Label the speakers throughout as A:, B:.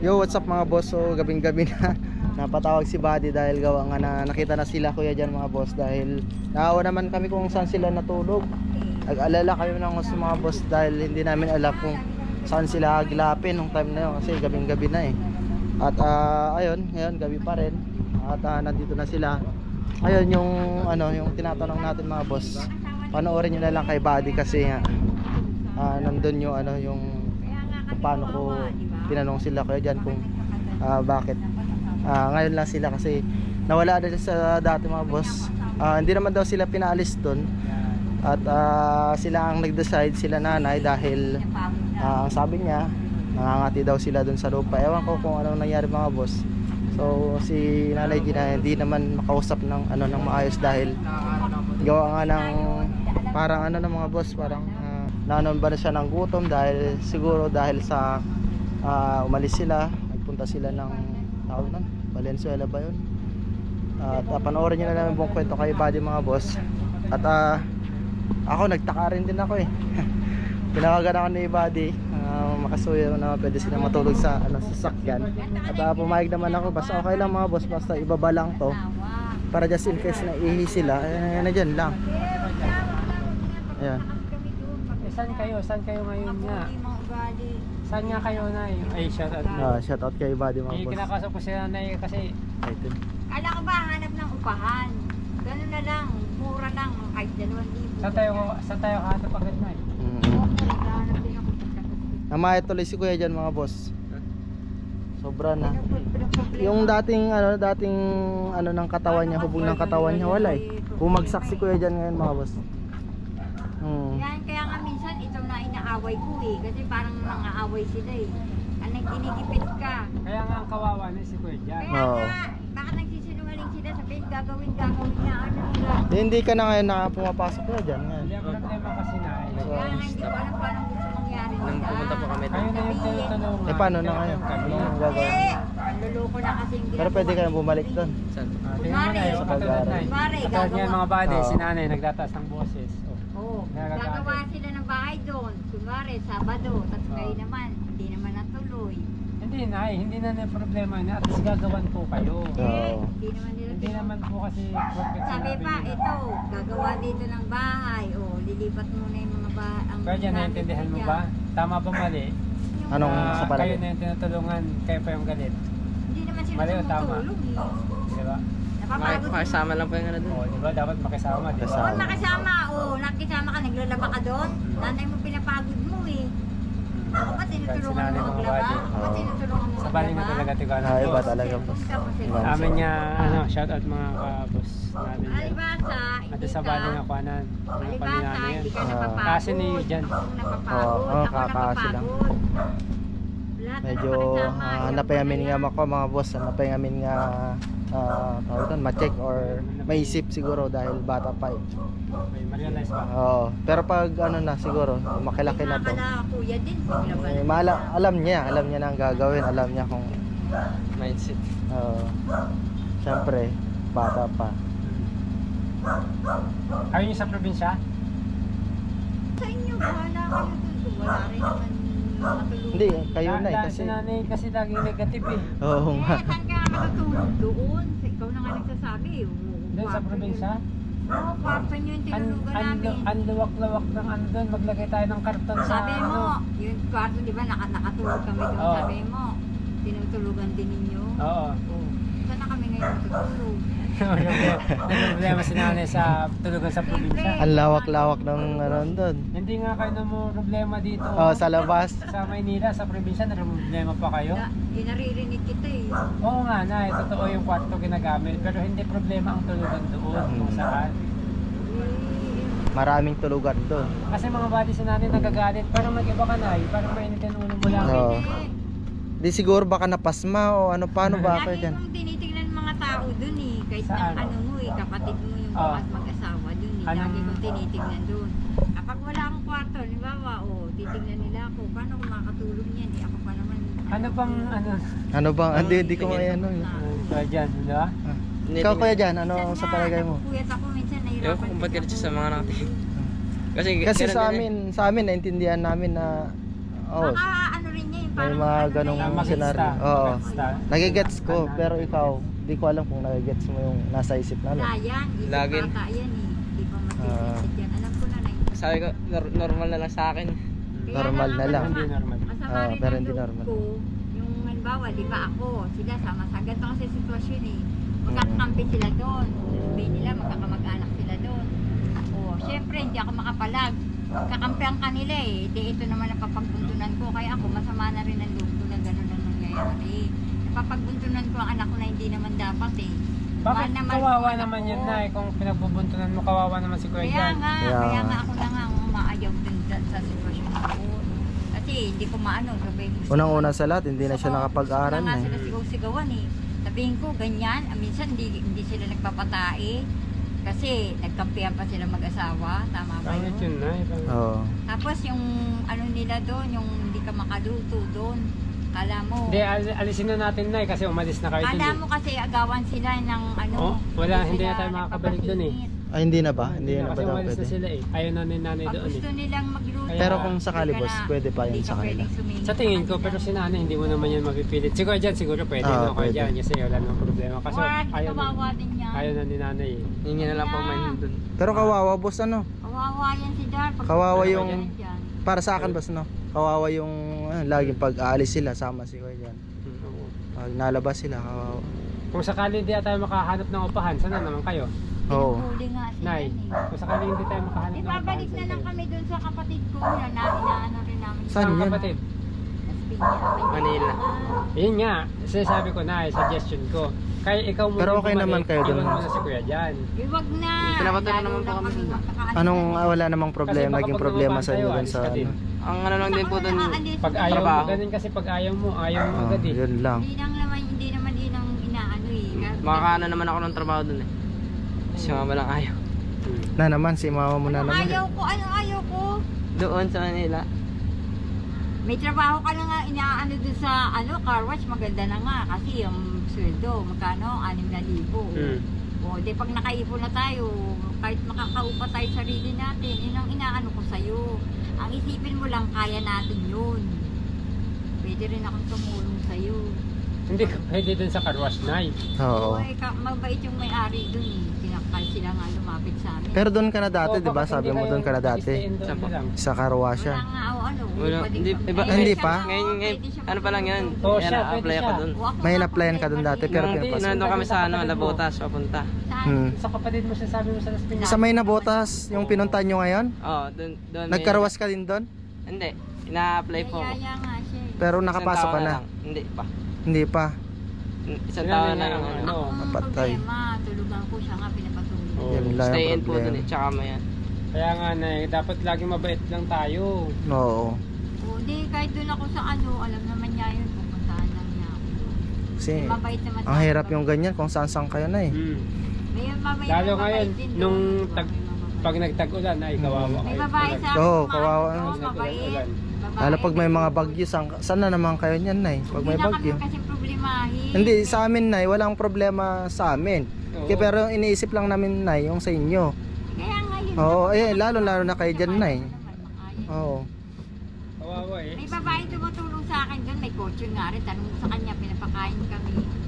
A: Yo, what's up mga boss? So, gabing-gabi na napatawag si Buddy dahil gawa nga na nakita na sila kuya dyan mga boss. Dahil naawa naman kami kung saan sila natulog. Nag-alala kami ng gusto mga boss dahil hindi namin alam kung saan sila agilapin nung time na yun kasi gabing-gabi na eh. At ayun, ngayon gabi pa rin. At nandito na sila. Ayun yung yung tinatanong natin mga boss. Panoorin niyo na lang kay Buddy kasi nandun yung yung paano ko tinanong sila kayo dyan kung bakit ngayon lang sila kasi nawala na sa dati mga boss. Hindi naman daw sila pinaalis doon at sila ang nag-decide, sila nanay, dahil ang sabi niya nangangati daw sila doon sa lupa. Ewan ko kung anong nangyari mga boss. So si Nanay Gina hindi naman makausap ng ng maayos dahil gawa nga ng parang ng mga boss, parang nanon ba na siya ng gutom dahil siguro dahil sa umalis sila, nagpunta sila ng tawag nun, Valenzuela ba yun? At panoorin nyo na namin buong kwento kay Buddy mga boss. At ako nagtaka rin din ako eh. Pinawagan ako ni Buddy, makasuyo na pwede sila matulog sa sasakyan. At pumayag naman ako, basta okay lang mga boss, basta ibaba lang to para just in case na ihi sila, na dyan lang. Ayan.
B: Saan kayo ngayon nga? Saan nga kayo na ay shoutout na?
A: Shoutout kay Buddy mga boss.
B: Kinakasap ko sila na kasi
C: Kala ko ba hanap ng upahan? Ganun na lang, mura lang, kahit 2,000.
B: saan tayo hanap agad na
C: Hanap din ako.
A: Namaya tuloy si kuya dyan mga boss. Sobra na. Yung dating ng katawan niya, hubog ng katawan niya, wala eh. Bumagsak si kuya dyan ngayon mga boss.
C: Yan, kaya nga minsan ito na inaaway ko eh. Kasi parang nangaaway sila eh. Anong kinigipit ka.
B: Kaya nga ang kawawa na si Kuya Jan.
C: Kaya nga, baka nagsisinungaling sila, sabihin gagawin na nila.
A: Hindi ka na ngayon pumapasok kuya dyan ngayon.
B: Hindi ang problema kasi na
C: Kaya nga hindi ko alam kung anong gusto mangyari nila.
D: Nung pumunta po kami
B: kayo na yung tinutulungan.
A: Eh paano na ngayon? Anong gagawin?
C: Luloko na kasi yung
A: Pero pwede kayong bumalik doon.
D: Saan?
B: Tingnan mo na yung katulad na
C: Kunwari,
B: katulad niyan mga bade,
A: Oo.
B: si nanay nagtataas ng boses.
C: Oo,
B: Nagagalit.
C: gagawa sila ng bahay doon. Kunwari, Sabado, tapos kayo naman, hindi naman natuloy.
B: Hindi na yung problema na at least gagawan po kayo.
A: Oo.
C: Hindi naman nila
B: Hindi naman po kasi perfect
C: Sabi
B: sinabi
C: pa,
B: nila.
C: ito, gagawa dito ng bahay. O, lilipat muna yung mga bahay.
B: Kaya dyan, naiintindihan mo ba? Tama ba mali?
A: Anong sa
B: Kayo
A: palagay?
B: na yung tinutulungan, kayo pa yung galit.
C: Hindi naman sila
B: Mali o tama?
C: tumutulong eh.
B: Di ba?
C: Napapagod.
D: Makisama lang po yung ano dun.
B: Oo, di ba? Dapat makisama, di ba?
A: Kasama.
C: Oo, nakisama. O, nakisama ka, naglalaba ka doon. Nanay mo pinapagod mo eh. Ako ba tinutulungan
B: Sinanay
C: mo
B: mga
C: maglaba?
B: body.
C: Ako ba tinutulungan mo
B: Sa bali nga
C: maglaba?
B: talaga tigana.
A: Iba talaga boss. Iba.
B: Amin niya, shout out mga ka-boss namin dyan.
C: Alibasa,
B: At sa bali nga kuanan, mga
C: Alibasa,
B: paninami yan.
C: hindi ka napapagod.
B: Kasi niyo dyan.
C: Kung napapagod,
A: Oo,
C: ako
A: kakasi lang.
C: napapagod. Lahat na
A: Medyo
C: nakakasama,
A: hanap pa yamin nga
C: ilang
A: ako mga boss. Hanap pa yamin nga tawag doon, ma-check or maisip siguro dahil bata pa eh.
B: May ma-realize ba?
A: Oo. Pero pag na siguro, makilaki na to.
C: Nakakala kuya din, bigla ba na.
A: Alam niya na ang gagawin, alam niya kung
D: Mindset.
A: syempre bata pa.
B: Kayo yung sa probinsya?
C: Sa inyo, wala kayo dun. Kung wala rin naman matulungan.
A: Hindi, kayo na eh kasi
B: Si nanay kasi laging negative eh.
A: oo nga.
C: Saan ka matutulog doon? Ikaw na nga nagsasabi.
B: Doon sa probinsya?
C: Oo, kwarto nyo yung tinulugan namin.
B: Ang luwak-lawak ng andun, maglagay tayo ng karton sa
C: Sabi mo, yung kwarto, di ba, nakatulog kami doon.
B: Oo.
C: Sabi mo, tinutulugan din ninyo.
B: Oo.
C: Oo. Saan na kami ngayon matutulog?
B: May problema si nanay sa tulugan sa probinsya.
A: Ang lawak-lawak ng doon.
B: Hindi nga kayo na mo problema dito.
A: Sa labas.
B: Sa Maynila, sa probinsya, na problema pa kayo?
C: Naririnig kita eh.
B: Oo nga na, totoo yung kwarto ginagamit. Pero hindi problema ang tulugan doon kung saan.
A: Maraming tulugan doon.
B: Kasi mga body si nanay nagagalit. Parang mag-iba ka na parang mainit yung ulo mo lang.
A: Oo. Di siguro baka napasma o paano ba ako
C: Lagi
A: dyan?
C: kong tinitingnan mga tao dun eh. Kahit
B: Saan?
C: ng mo eh, kapatid mo yung
B: Oo.
C: mag-asawa dun eh.
B: Anong-
C: Lagi kong tinitingnan dun. Kapag wala akong kwarto, halimbawa, titignan nila ako. Paano ko makakatulog niyan? Eh, ako pa naman.
B: Ano bang
A: Ano bang, hindi ko may
B: Kaya dyan, di ba?
A: Ikaw kuya dyan, ano sa palagay mo?
C: Napupuyat ako minsan, nahirapan.
D: Ewan ko kung ba't ganito sa mga nakatingin. Kasi
A: Kasi
D: ganun din eh.
A: sa amin naintindihan namin na
C: Baka ano rin niya, yung parang
A: mga
C: ano na
A: ganong
C: yan.
B: Magets
A: senaryo.
B: ta.
A: Oo.
B: Magets ta.
A: Nagigets ko, pero ikaw, di ko alam kung nagigets mo yung nasa isip na.
C: Wala yan. Isip
D: Lagi.
C: bata yan eh. Hindi pa masisip yan. Alam ko na na.
D: Sabi ko, normal na lang sa akin.
C: Kaya
A: Normal na lang.
B: Hindi normal.
C: Masama
A: Oo,
C: rin
A: pero
C: ang
A: hindi
C: loob
A: normal.
C: ko. Yung halimbawa, di ba ako, sila sama sa ganito kasi sitwasyon eh. Magkakampi sila doon. Sabihin nila, magkakamag-anak sila doon. O, syempre, hindi ako makapalag. Kakampihan kanila eh. Di ito naman ang papagbuntunan ko. Kaya ako, masama na rin ang loob ko na gano'n ang nangyayari. Napapagbuntunan ko ang anak ko na hindi naman dapat eh.
B: Bakit
C: Mahal naman
B: kawawa
C: ang
B: naman
C: anak
B: yun
C: ko.
B: na kung pinagbubuntunan mo, kawawa naman si Kuya
C: Kaya
B: Jan.
C: nga,
A: Kaya
C: kaya
A: nga.
C: nga ako na nga ang umaayaw dun sa sitwasyon ko. Kasi hindi ko maano, sabihin ko.
A: Unang-una sa lahat, hindi na siya
C: Oo,
A: nakapag-aral
C: gusto na nga
A: na
C: sila
A: eh.
C: sigaw-sigawan eh. Sabihin ko, ganyan. Minsan hindi sila nagpapatae. Kasi nagkampihan pa sila mag-asawa. Tama ba
B: Pangit yun
C: yun?
B: na.
A: Oo.
C: Tapos yung ano nila doon, yung hindi ka makaluto doon. Kala mo.
B: Hindi, alisin na natin na kasi umalis na kayo dun
C: Kala
B: eh.
C: mo kasi agawan sila ng ano.
B: Oh, wala, hindi
C: sila
B: na tayo makakabalik dun eh.
C: nagpapasingit.
A: Ay, hindi na ba? Hindi na ba
B: Kasi
A: daw
B: umalis na
A: pwede?
B: sila eh. Ayaw na ni nanay
C: Pag
B: doon eh.
C: gusto nilang magluto.
B: Kaya-
A: Pero kung sakali
C: hindi ka
A: boss,
C: na-
A: pwede pa yun
C: hindi
A: sa
C: ka
A: kanila.
C: pwedeng sumingit
B: Sa tingin ko,
C: kanila.
B: pero si nanay hindi mo naman yan mapipilit. Si Kuya Jan siguro pwede
A: Ah,
B: no, Kuya
A: pwede.
B: Jan kasi wala namang problema. Kaso
C: Wag,
B: ayaw na,
C: kawawa din yan.
B: ayaw na ni nanay eh.
D: Hingi na lang po man dun.
A: Pero kawawa boss, ano?
C: Kawawa yan si Dar. Pag
A: Kawawa
C: pupunta
A: yung-
C: yan dyan.
A: Para sa akin boss, no? Kawawa yung laging pag-aalis sila, sama si Kuya Jan.
B: Oo.
A: Pag nalabas sila, kawawa.
B: Kung sakali hindi tayo makahanap ng upahan, sana naman kayo?
A: Oo.
C: Pinupuli nga sila
B: Nay,
C: eh.
B: kung sakali hindi tayo makahanap
C: Di
B: ng upahan,
C: babalik na
B: saan
C: lang
B: kayo?
C: kami dun sa kapatid ko na inaano rin namin.
A: Saan
B: Saan
A: yun?
B: kapatid?
C: Sa Piña,
D: Manila.
B: Yun nga, sinasabi ko na, suggestion ko. Kaya ikaw muna
A: Pero okay naman kayo dun.
B: Iwan mo na si Kuya Jan.
C: Iwag na.
D: Pinapatay na
C: Lalo
D: naman po
C: lang
D: kami
C: kami
D: dun.
C: magkakaano
A: Anong
C: na.
A: wala namang problema,
B: Kasi baka
A: naging
B: pag
A: problema
B: lumabas
A: sa inyo
B: tayo,
A: dun
B: alis
A: sa
B: ka din.
A: ano?
D: Ang ano lang din po dun,
B: Pag ayaw mo,
D: Trabaho.
B: ganun kasi pag ayaw mo
A: Ah,
B: agad eh.
A: yun lang.
C: Hindi naman yun ang inaano eh.
D: makakaano naman ako ng trabaho dun eh. Si mama lang ayaw.
A: Na naman, si mama mo na
C: Ano
A: naman.
C: ayaw ko? Ano ayaw ko?
D: Doon sa Manila.
C: May trabaho ka na nga inaano dun sa ano, car wash, maganda na nga kasi yung sweldo, magkano? 6,000.
B: Hmm.
C: O, di pag nakaipon na tayo, kahit makakaupa tayo sa sarili natin, yun ang inaano ko sa'yo. Ang isipin mo lang, kaya natin yun. Pwede rin akong tumulong sa'yo.
B: Hindi ka pwede dun sa car wash, Nay.
A: Oo.
C: Oy, mabait yung may-ari dun eh. Pinakal sila nga lumapit sa amin.
A: Pero doon ka na dati,
B: Oo,
A: di ba?
B: bakit
A: Sabi
B: hindi
A: mo
B: kayo
A: doon ka na dati.
B: mag-stay-in doon
D: Saan po?
B: na lang?
A: Sa Karwa
C: Wala
A: siya.
C: nga o ano.
D: Wala, hindi, iba,
A: Hindi pa?
D: Ngayon, ano pa lang yun.
B: Oo,
D: Kaya
B: siya, pwede
D: na-apply ako
B: siya.
D: dun.
A: May in-applyan ka dun dati, pero
D: Nung
A: pinapasok.
D: nandun kami sa ano,
B: Kapatid mo.
D: Labotas, papunta.
A: Hmm.
B: Sa kapatid mo siya sabi mo sa Las Piñas.
A: Sa may nabotas, yung pinuntahan nyo ngayon?
D: Oo, doon.
A: Nagkarwas ka din doon?
D: Hindi, ina-apply po ako.
C: Kaya nga siya eh.
A: Pero
D: Isang
A: nakapasok
D: taon
A: ka na?
D: lang. Hindi pa.
A: Hindi pa.
D: Isang
B: Sinabi
D: taon
B: niya
D: na yung
B: ang
D: ano.
B: ano.
C: Ang
A: Kapatay.
C: problema, tulugan ko siya nga pinapatulog.
B: Oo.
A: Yan lang
D: Stay
A: yung
D: in po dun eh,
A: problema.
D: tsaka mayan.
B: Kaya nga, Nay, dapat laging mabait lang tayo.
A: Oo.
C: O di, kahit doon ako sa ano, alam naman niya yun, pupuntahan lang niya ako.
A: Kasi
C: Mabait naman
A: ang hirap yung ganyan kung saan-saan kayo na eh.
B: Hmm.
C: May mabait
B: Lalo
C: na
B: ngayon,
C: mabait din doon,
B: nung
C: di ba?
B: tag-
C: May mabait.
B: Pag nagtag-ulan, ay kawawa
A: Hmm.
C: May
B: kayo.
C: babae sa akin,
A: Oo,
C: kumain
A: kawawa.
C: doon,
B: Pag
C: mabait.
B: nag-ulan.
C: Babae.
A: Lalo pag may mga bagyo, saan na naman kayo niyan na Pag may
C: Hindi
A: bagyo.
C: na kami kasi problemahin.
A: Hindi, sa amin na walang problema sa amin.
B: Oo.
A: Kaya pero iniisip lang namin na yung sa inyo.
C: Kaya nga yun.
A: Oo, eh, lalo na kayo dyan na
C: Oo.
A: Oo.
B: Kawawa eh.
C: May babae tumutulong sa akin doon, may kotse nga rin. Tanong mo sa kanya, pinapakain kami.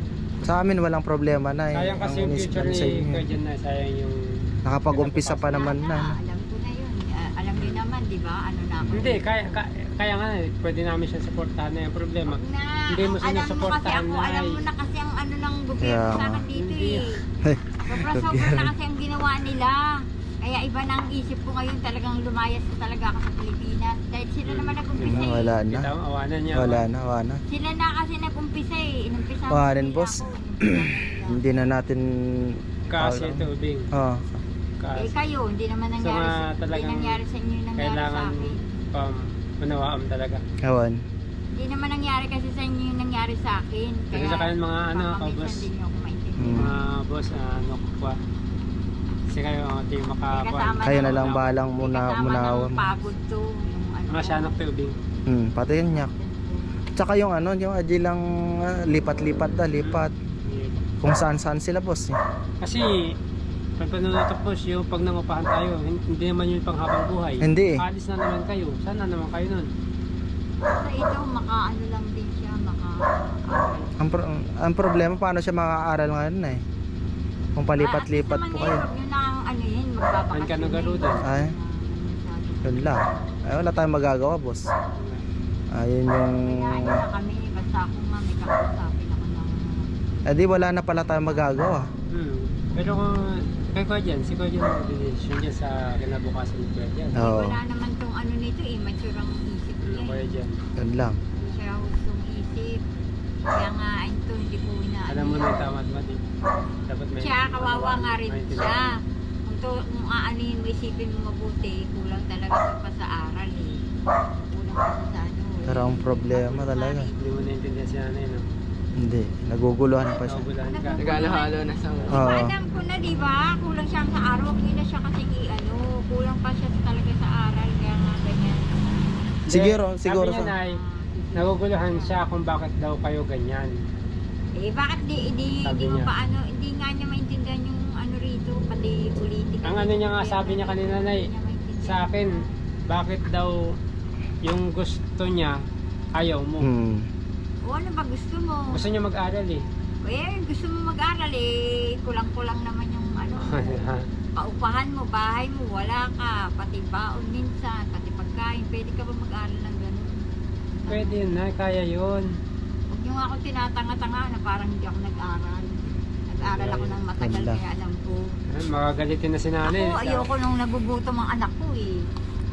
A: Sa amin walang problema na
B: Sayang kasi yung
A: iniisip
B: future
A: namin sa
B: ni
A: inyo.
B: Kuya Jan na, sayang yung...
A: Nakapag-umpisa pa naman na.
C: Alam ko na yun. Alam niyo naman, di ba? Ano na ako.
B: Hindi, kaya nga, pwede namin siya supportahan na yung problema.
C: Wag na.
B: Hindi mo
C: Alam mo kasi
B: sinusuportahan,
C: ako,
B: Nay.
C: alam mo na kasi ang ano ng gobyerno
A: Kaya
C: sa
A: nga.
C: akin dito
B: Hindi.
C: eh. Sobra-sobra na kasi ang ginawa nila. Kaya iba na ang isip ko ngayon, talagang lumayas na talaga ako sa Pilipinas. Dahil sila naman nag-umpisa eh.
A: Wala na.
B: Kita mo, awanan niya.
A: Wala na.
C: Sila na kasi nag-umpisa eh. Inumpisa
A: Wala
C: nila
A: rin, boss.
C: ako. Inumpisa nila.
A: Hindi na natin
B: Kasi tubig.
A: Oh,
C: Eh
B: Kasi
C: kayo, hindi naman
B: So,
C: nangyari,
B: mga talagang
C: hindi nangyari sa inyo yung nangyari sa
B: kailangan
C: akin.
B: unawaan talaga.
A: kawan.
C: Hindi naman nangyari kasi sa inyo yung nangyari sa akin.
B: Kasi sa kanin mga ano,
C: papaminsan
B: boss.
C: din niyo ako maintindihan.
B: Mga boss, ano ko pa. Kasi kayo ang ating
C: May
B: makakuha.
C: kasama
A: Kayo na
C: ng-
A: lang balang
C: may
A: muna
C: kasama
A: munawan.
C: ng pagod to. Yung ano,
B: Mga siya ng tubig.
A: Pati yun niya. Tsaka yung ano, yung ajilang lipat-lipat lipat. Kung saan-saan sila boss eh.
B: Kasi, pag panunutok boss, yung pag nangupahan tayo, hindi naman yun pang habang buhay.
A: Hindi eh.
B: Alis na naman kayo. Sana naman kayo nun.
C: Sa ito, maka-ano lang din siya,
A: Ang problema, paano siya makakaaral ngayon na eh? Kung palipat-lipat po kayo.
C: Yun ang ano yun, magbabakasyon.
B: Ang kanugaro din.
A: Ay, yun lang. Ay, wala tayong magagawa, boss. Ayun yung...
C: Kinain na kami, basta ako nga may kakausapin ako ng...
A: Eh di wala na pala tayong magagawa.
B: Pero kung kay Kuya Jan, si Kuya Jan mag-decision niya sa kinabukasan ni Kuya Jan.
A: Oo,
C: Wala naman tong ano nito eh, mature ang isip niya
B: Kuya
C: eh.
B: Jan.
A: yun lang.
C: Hindi siya hustong isip. Kaya nga, ito, hindi ko na...
B: Alam mo na yung tamad-mad eh. Dapat may...
C: Siya, kawawa nga rin
B: maintindihan.
C: siya. Kung aanin mo, isipin mo mabuti, kulang talaga siya pa sa aral eh. Kulang pa siya sa ano eh.
A: Pero ang problema talaga.
B: Hindi mo naintindihan si nanay, no?
A: Hindi, naguguluhan pa siya.
B: Nakabulahan ka.
D: Nagalo-halo na sa...
A: Oo.
C: Alam ko na, di ba? Kulang siya sa araw. Hindi na siya kasi kulang pa siya talaga sa aral. Kaya nga ganyan.
A: Siguro
B: Sabi niya,
A: sa...
B: Nay, naguguluhan siya kung bakit daw kayo ganyan.
C: Eh, bakit di
B: Sabi
C: mo
B: niya.
C: pa ano, hindi nga niya maintindihan yung ano rito, pati politika.
B: Ang ano niya nga, sabi niya kanina, Nay, sa akin, bakit daw yung gusto niya, ayaw mo.
C: O ano ba gusto mo?
B: Gusto niya mag-aral eh.
C: Eh, gusto mo mag-aral eh, kulang-kulang naman yung ano, paupahan mo, bahay mo, wala ka, pati baon minsan, pati pagkain, pwede ka ba mag-aral ng ganun?
B: Pwede yun, Nay, kaya yun.
C: Huwag niyo nga ako tinatanga-tanga na parang hindi ako nag-aral. Nag-aral ako ng matagal
A: Wala.
C: kaya alam ko.
B: Makagalitin na si nanay.
C: Ako, ayoko nung nagugutom ang anak ko eh.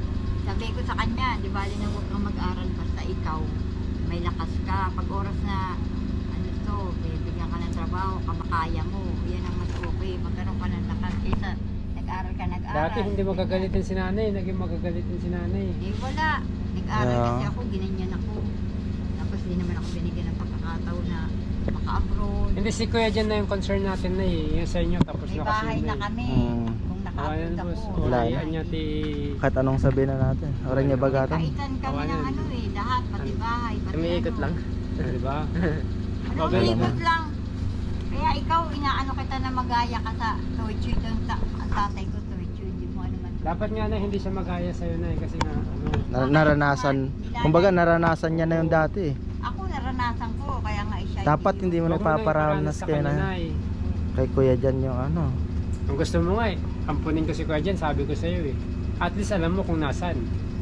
C: Sabi ko sa kanya, di ba, na huwag kang mag-aral basta ikaw. May lakas ka. Pag oras na, ano to, bibigyan ka ng trabaho, kamakaya mo. Yan ang mas okay. Magkaroon ka ng lakas kaysa nag-aral ka, nag-aral.
B: Dati hindi magagalitin si nanay, naging magagalitin si nanay.
C: Eh wala. Nag-aral
A: Ah.
C: kasi ako, ginanyan ako. Tapos di naman ako binigyan ng pagkakataon na maka-abroad.
B: Hindi, si Kuya Jan na yung concern natin na eh. Yung sa inyo, tapos
C: May
B: na kasi
C: bahay
B: yun
C: na
B: eh.
C: kami.
A: Mm.
C: Kung
B: Awayan,
C: naka-abroad
B: boss.
C: ako.
A: Wala
B: Wala niya ti...
A: Kahit anong sabihin na natin. Oras niya bagatan.
C: Kaitan kami
B: Awayan.
C: ng ano eh, lahat, pati bahay, pati
D: Umiikot
C: ano.
D: lang.
B: Di ba?
C: Ano,
B: Magaling.
C: umiikot lang. Kaya ikaw, inaano kita na magaya ka sa torture doon ang tatay ko torture, hindi mo ano man.
B: Dapat nga na hindi siya magaya sa'yo na eh. Kasi nga, ano...
A: Naranasan. Kumbaga naranasan niya na yung dati eh.
C: Ako naranasan ko, kaya nga siya.
A: Dapat hindi mo
B: Huwag mo na
A: nagpaparanas
B: iparanas sa
A: kayo
B: kanya,
A: na
B: Nay.
A: kay Kuya Jan yung ano.
B: Kung gusto mo nga eh, ampunin ko si Kuya Jan, sabi ko sa'yo eh. At least alam mo kung nasan.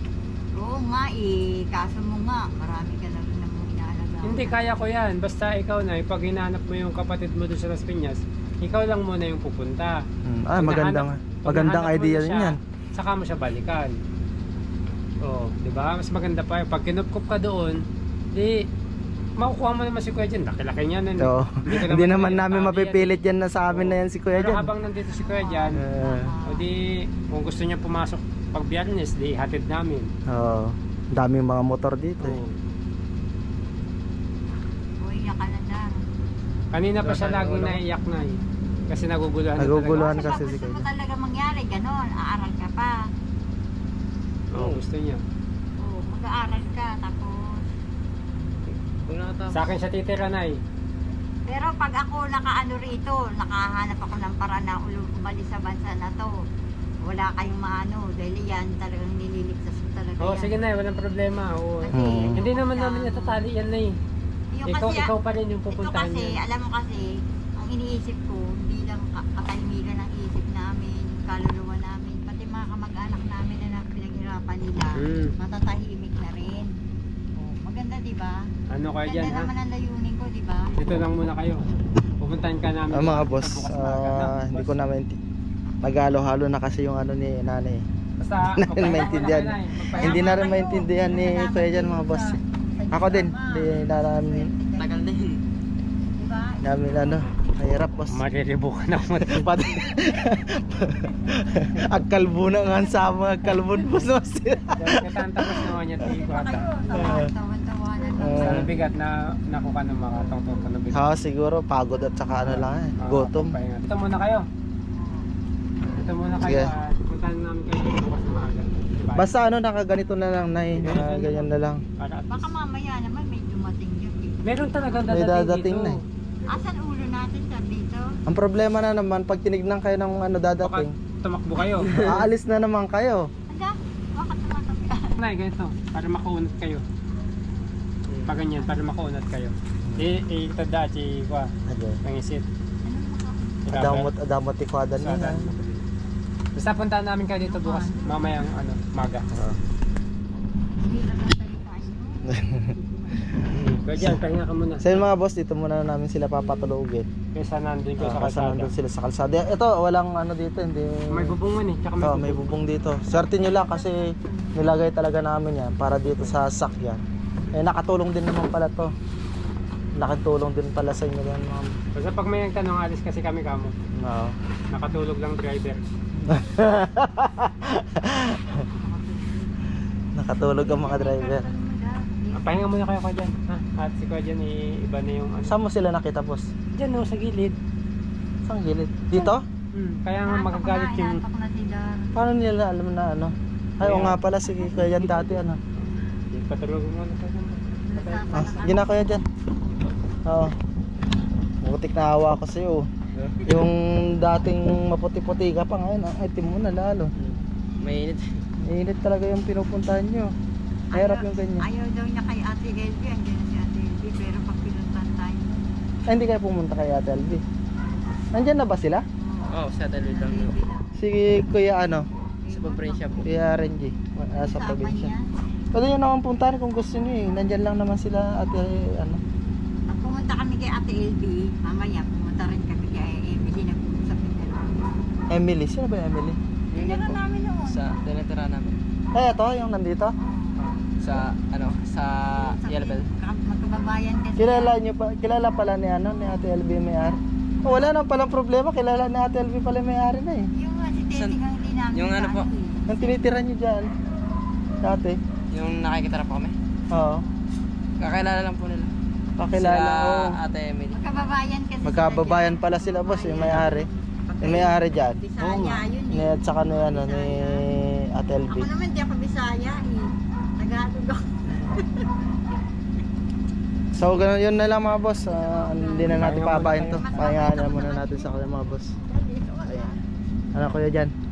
C: Oo nga eh, kaso mo nga, marami ka na rin namang inaalaga.
B: Hindi, kaya ko yan. Basta ikaw na, pag hinahanap mo yung kapatid mo doon sa Las Piñas, ikaw lang muna yung pupunta.
A: Ah,
B: Pag
A: magandang
B: nahanap- pag
A: magandang
B: nahanap mo
A: idea
B: na
A: rin
B: siya,
A: yan.
B: Saka mo siya balikan. Oo, di ba? Mas maganda pa yun. Pag kinupkup ka doon, di makukuha mo naman si Kuya Jan. Laki-laki niya nun.
A: Oo. Hindi naman namin
B: tabi
A: mapipilit yan na sa amin na yan si Kuya
B: Pero
A: Jan.
B: habang nandito si Kuya Jan, o di, kung gusto niya pumasok pag Biyernes, di hatid namin.
A: Oo. Daming mga motor dito eh.
B: Oo.
C: Uy, iyak ka na lang.
B: Kanina pa siya laging naiyak na eh. Kasi naguguluhan
A: Naguguluhan.
B: na talaga.
A: kasi si
C: gusto mo
A: Kuya.
C: talaga mangyari, ganon, aaral ka pa.
B: Oo, gusto niya.
C: Oo, mag-aaral ka, tapos...
D: Kung nakatapos.
B: Sa akin siya titira na eh.
C: Pero pag ako nakaano rito, nakahanap ako ng paraan na umalis sa bansa na to, wala kayong maano, dahil yan talagang nililigtas ko talaga
B: Oo,
C: yan.
B: sige na, walang problema. Oo.
C: Kasi,
B: Hindi naman namin natatali yan na eh.
C: Yung
B: Ikaw,
C: kasi,
B: ikaw pa rin yung
C: ito
B: pupuntahan
C: kasi,
B: niya.
C: alam mo kasi, ang iniisip ko, hindi lang katahimikan ng isip namin, kaluluwa namin, pati mga kamag-anak namin na pinaghirapan nila,
B: Hmm.
C: matatahimik na rin. Oh, maganda, di ba?
B: Ano kayo dyan
C: Maganda
B: ha?
C: naman ang layunin ko, di ba?
B: Dito lang muna kayo. Pupuntahan ka namin.
A: Mga boss,
B: bukas na agad, no?
A: hindi ko na nag-halo-halo na kasi yung ano ni nanay.
B: Basta,
A: Hindi na maintindihan. Hindi na rin maintindihan ni Kuya Jan mga boss. Ako din, di namin
D: Tagal na yun.
C: Di ba?
A: namin ano, mahirap boss.
B: Mariribukan ako.
A: Pati agkalbo na nga sa mga kalbon boss.
B: Katantapos naman niya tingin ko ata.
C: Tawan-tawanan lang.
B: Sa bigat na nakuha ng makatong-tong ka na bigat.
A: Ha, siguro pagod at saka ano lang eh, gutom.
B: Dito muna kayo. Dito muna kayo.
A: Sige.
B: Puntahan namin kayo dito bukas na maaga. Diba?
A: Basta ano, nakaganito na lang na ganyan na lang.
B: Para at
C: Baka
B: least-
C: mamaya naman may dumating yun.
B: Meron talagang
A: May
B: dadating
A: dadating
B: dito.
A: na eh.
C: Asan ulo natin sa dito?
A: Ang problema na naman, pag tinignan kayo ng ano
B: Baka
A: dadating,
B: tumakbo kayo.
A: aalis na naman kayo.
C: Anda, bakit tumatabi?
B: Nay, ganito. Para makaunat kayo. pag ganyan, para makaunat kayo. Itada, chikwa,
A: Okay.
B: nangisit.
A: Adamot tikwadan
B: So,
A: niya.
B: basta puntahan namin kayo dito bukas, mamayang maga.
C: Hindi na salita yun.
B: Kaya dyan, pahinga ka muna.
A: So yun mga boss, dito muna namin sila papatulogin.
B: Kaysa nandun kayo sa
A: Kasi
B: kalsada.
A: nandun sila sa kalsada. Ito, walang ano dito, hindi...
B: May bubungan eh, tsaka may
A: Oh, may bubong dito. Swerte nyo lang kasi nilagay talaga namin yan para dito sa sakyan. Eh, nakatulong din naman pala to. Nakatulong din pala sa inyo yan, ma'am.
B: Basta pag may nagtanong, alis kasi kami kamo.
A: Oo.
B: Nakatulog lang driver.
A: Nakatulog ang mga driver.
B: Pahinga muna kayo dyan. Ha? At si Kuya dyan, iba na yung ano.
A: Saan mo sila nakita, boss?
B: Dyan no, sa gilid.
A: Saan gilid? Dito?
B: Kaya nga magagalit yung...
C: Natok na sila.
A: Paano nila alam na ano? Ay, oo nga pala, sige, kaya yan dati, ano?
B: Patulogin mo na kayo.
A: Ah, sige na kaya dyan. Oo. Butik na hawa ko sa'yo. Yung dating maputi-puti ka pa ngayon, ang itim mo na lalo.
D: Mainit.
A: Init talaga yung pinupuntahan nyo. Mahirap yung ganyan.
C: Ayaw daw niya kay Ate LB. Andiyan na si Ate LB. Pero pag pinuntan tayo.
A: Ay, hindi kayo pumunta kay Ate Albi. Nandyan na ba sila?
D: Oo, sa talwid lang po.
A: Si Kuya ano?
D: Sa probinsya po.
A: Kuya Renji. Sa probinsya. Pwede nyo naman puntahan kung gusto nyo eh. Nandyan lang naman sila Ate ano.
C: Pag pumunta kami kay Ate LB, mamaya pumunta rin kami kay Emily. Nag-uusap din na.
A: Emily. Sino ba yung Emily?
C: Tinira namin noon.
D: Sa tinitira namin.
A: Ay, ito, yung nandito.
D: Sa sa Yellow Bell.
C: Magkababayan kasi.
A: Kilala pala ni ano, ni Ate LB may-ari. Oh, wala nang palang problema. Kilala ni Ate LB pala may-ari na eh.
C: Yung si Tete nga hindi namin.
D: Yung ano po?
A: Yung tinitira nyo dyan. Dati.
D: Yung nakikitara po kami.
A: Oo.
D: Kakilala lang po nila.
A: Pakilala
D: Sila
A: ko.
D: Ate Emily.
C: Magkababayan kasi.
A: Magkababayan pala sila boss, yung may-ari. Yung may-ari dyan.
C: Bisaya yun
A: Ni
C: eh.
A: at saka ni ano ni Ate LB.
C: Ako naman di ako Bisaya eh. Tagalog ako.
A: So ganun yun na lang mga boss. Hindi na natin pabayin to. Pahingahan na muna natin sa kanila mga boss. Ayan. Ano kuya dyan?